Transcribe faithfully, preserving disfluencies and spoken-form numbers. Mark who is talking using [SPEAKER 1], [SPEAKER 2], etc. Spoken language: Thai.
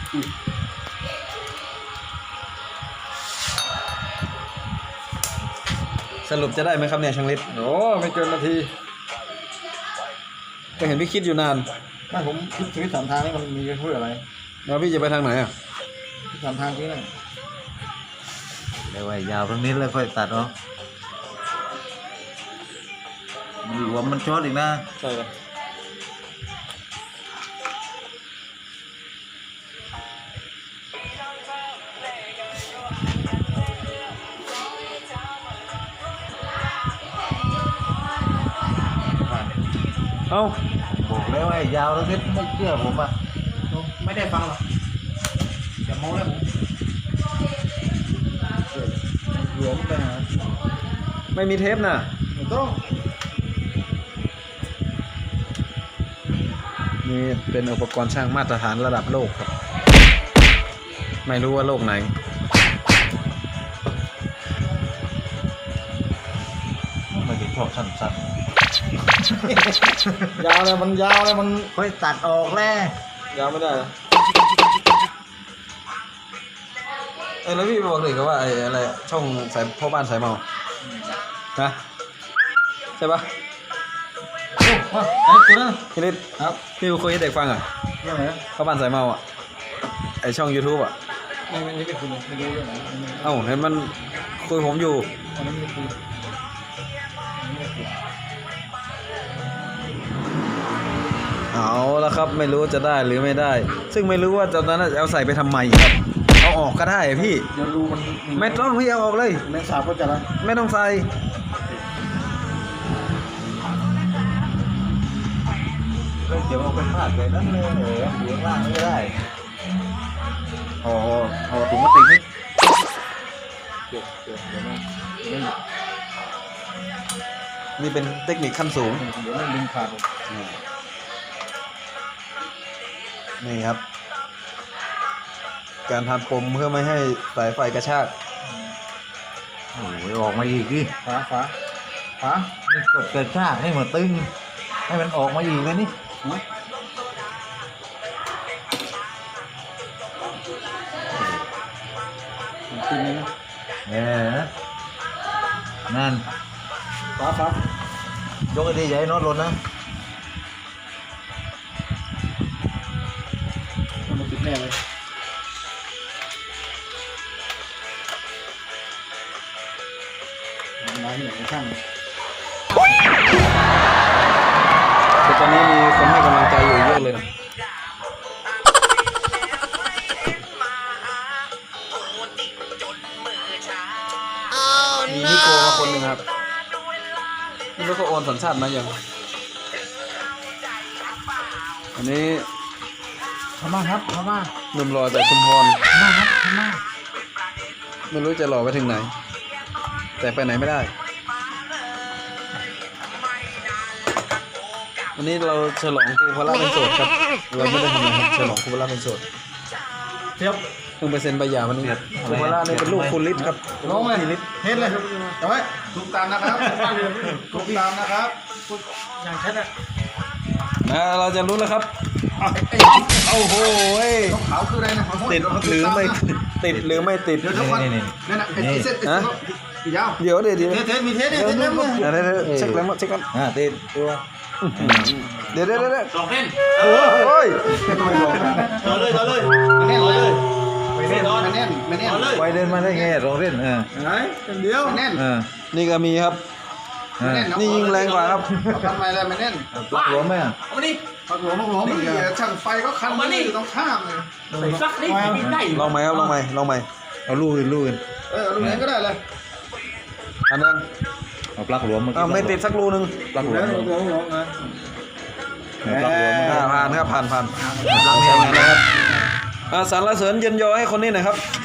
[SPEAKER 1] สรุปจะได้ไหมครับเนี่ยช่างฤทธิ์
[SPEAKER 2] โอ้ไม่เกินนาที
[SPEAKER 1] ก็เห็นพี่คิดอยู่นาน
[SPEAKER 2] ไม่ผมคิดชีวิตสามทางนี่มันมีเพื่ออะไร
[SPEAKER 1] แล้วพี่จะไปทางไหนอ่ะ
[SPEAKER 2] สามทางที่นั่น
[SPEAKER 3] เดี๋ยวไว้ยาวตรงนี้แล้วค่อยตัดออกมันหลวมมันช็อตอีกนะ
[SPEAKER 2] ใช่เลย
[SPEAKER 1] เอ้า
[SPEAKER 3] บอกแล้วไอ้ยาวตรงนี้ไม่เชื่อผมอ่ะ
[SPEAKER 2] ไม่ได้ฟังหรอกอย่าโม้เลยผมหลวมไปหา
[SPEAKER 1] ไม่มีเทปน่ะ
[SPEAKER 2] ไม่ต้อง
[SPEAKER 1] นี่เป็นอุปกรณ์ช่างมาตรฐานระดับโลกครับ ไม่รู้ว่าโลกไหน
[SPEAKER 3] ไม่ได้ชอบสั้น
[SPEAKER 2] ยาวเลยมันยาวเลยมัน
[SPEAKER 3] ๆค่อยตัดออกแล้ว
[SPEAKER 2] ยาวไม่ได้
[SPEAKER 1] เอ้ยแล้วพี่บอกเลยก็ว่าไอ้อะไรช่องสายพ่อบ้านสายเมานะใช่ปะ
[SPEAKER 2] โอ้มาไอ้ตัวนั้น
[SPEAKER 1] พี่ฤทธิ์
[SPEAKER 2] ครับ
[SPEAKER 1] พี่คุยให้เด็กฟังอ่ะ
[SPEAKER 2] เรื่องไหน
[SPEAKER 1] พ่อบ้านสายเมาอ่ะไอช่อง YouTube อ่ะ
[SPEAKER 2] ไม่ไม่ไม่คุยไม่รู้เรื่องไหนไม่
[SPEAKER 1] เอ้าเห็นมันคุยผมอยู่
[SPEAKER 2] อันนี้ไม่คุยไม่คุย
[SPEAKER 1] เอาแล้วครับไม่รู้จะได้หรือไม่ได้ ซึ่งไม่รู้ว่าตอนนั้นจะเอาใส่ไปทำไมครับเอาออกก็ได้พี่
[SPEAKER 2] เดี๋ยวรูมัน
[SPEAKER 1] ไม่ต้องพี่เอาออกเลย
[SPEAKER 2] แมงสาบก็จะละ
[SPEAKER 1] ไม่ต้องใส่
[SPEAKER 3] เดี๋ยวเอาไปพาดเลยนั่นเลยเหรออยู่ข้างล่างไม่ได้อ๋ออ๋อถุงพลาสติกนี่
[SPEAKER 2] เดี๋ยวเดี๋ยวเดี๋ยวไม่
[SPEAKER 1] นี่เป็นเทคนิคขั้นสูง
[SPEAKER 2] เดี๋ยวไม่ดึงขาด
[SPEAKER 1] นี่ครับ การทำปมเพื่อไม่ให้สายไฟกระชาก
[SPEAKER 3] โอ้ยออกมาอีกดิ
[SPEAKER 2] ฝาฝาฝา
[SPEAKER 3] นี่กดกระชากให้มันตึงให้มันออกมาอีกเลยนี่
[SPEAKER 2] กินเลยนะ
[SPEAKER 3] เออนั่น
[SPEAKER 2] ฝาฝาย
[SPEAKER 3] กไอ้ดีใหญ่น็อตหล่นนะ
[SPEAKER 2] มันติดแน่เลยมาที่ไหนช่าง
[SPEAKER 1] แต่ตอนนี้มีคนให้กำลังใจอยู่เยอะเลยนะมีนิโก้มาคนหนึ่งครับนี่เขาโอนสัญชาติมาอย่างอันนี้
[SPEAKER 2] พม่าครับพม่า
[SPEAKER 1] หนุ่มหล่อจากชุมพร
[SPEAKER 2] พม่าครับพม่า
[SPEAKER 1] ไม่รู้จะหล่อไปถึงไหน แต่ไปไหนไม่ได้วันนี้เราฉลองครูพละเป็นโสดครับเราไม่ได้ทำอะไรครับฉลองครูพละเป็นโสด
[SPEAKER 2] เทียบ
[SPEAKER 1] เพิ่งไปเซ็นใบหย่าวันนี้ครูพละนี่เป็นลูกคุณฤทธิ์ครับ
[SPEAKER 2] ลงเลยเฮ็ดเลยเอาไว้ทุกตามนะครับทุกตามนะครับอย่างเช่นอ่ะ
[SPEAKER 1] นะเราจะรู้แล้วครับโอ้โห
[SPEAKER 2] ขาวคืออะไรนะ
[SPEAKER 1] ติดหรือไม่ติดหรือไม่ติด
[SPEAKER 2] เดี๋ยวทุกคน
[SPEAKER 3] นี่นี่
[SPEAKER 2] นั่นน่ะเป็นเส้นติดยาว
[SPEAKER 1] เดี๋ยวเดี๋ยวเดี๋ยว
[SPEAKER 2] เทสเทสมีเทสนี่เทสแล้วมั้ย
[SPEAKER 1] เดี๋ยวเดี๋ยวเช็คแล้วเช็คแล้ว
[SPEAKER 3] อ่าติดตัว
[SPEAKER 1] เดี๋ยวเดี๋ยวเดี๋ยว
[SPEAKER 4] สองเส้น
[SPEAKER 1] โอ้ย
[SPEAKER 4] ต่อเลยต่อเลย
[SPEAKER 2] แน่น
[SPEAKER 4] ต่อ
[SPEAKER 2] เล
[SPEAKER 4] เลย ย
[SPEAKER 2] ไม่แน่นไม่แน่นไม่แน่น
[SPEAKER 4] ต่อเลย
[SPEAKER 3] ไวเดินมาได้ไงรองเล่นเออ
[SPEAKER 2] ไหนเป็นเดียวแน่น
[SPEAKER 3] เออ
[SPEAKER 1] นี่ก็มีครับ
[SPEAKER 3] เออ
[SPEAKER 1] นี่ยิงแรงกว่าครับ
[SPEAKER 2] ทำไมอะไรไม่แน่น
[SPEAKER 3] ปลักหลวมไหมอ่ะ
[SPEAKER 4] เอามาดิ
[SPEAKER 2] พักหลวมพักหลวมนี่ช่างไฟก็คันอยู่ตรงข้ามเลย
[SPEAKER 4] ใส่ซักดิบินได้อยู่
[SPEAKER 1] ลองไหมครับลองไหมลองไหม
[SPEAKER 3] เอาลูกอื่นลูกอื่น
[SPEAKER 2] เออลูกไหนก็ได้เลย
[SPEAKER 1] อันนึง
[SPEAKER 3] เอาปลักหลวมมา
[SPEAKER 1] อ้าวไม่ติดสักรูนึง
[SPEAKER 3] ปลักหลว
[SPEAKER 2] แล้ว
[SPEAKER 3] ม
[SPEAKER 2] ลูกหลวมหลวมนะ
[SPEAKER 3] ปลักหลวม
[SPEAKER 1] อ่าผ่านครับผ่านผ่านใช้งานนะครับอ่าสรรเสริญเย็นยอให้คนนี้หน่อยครับ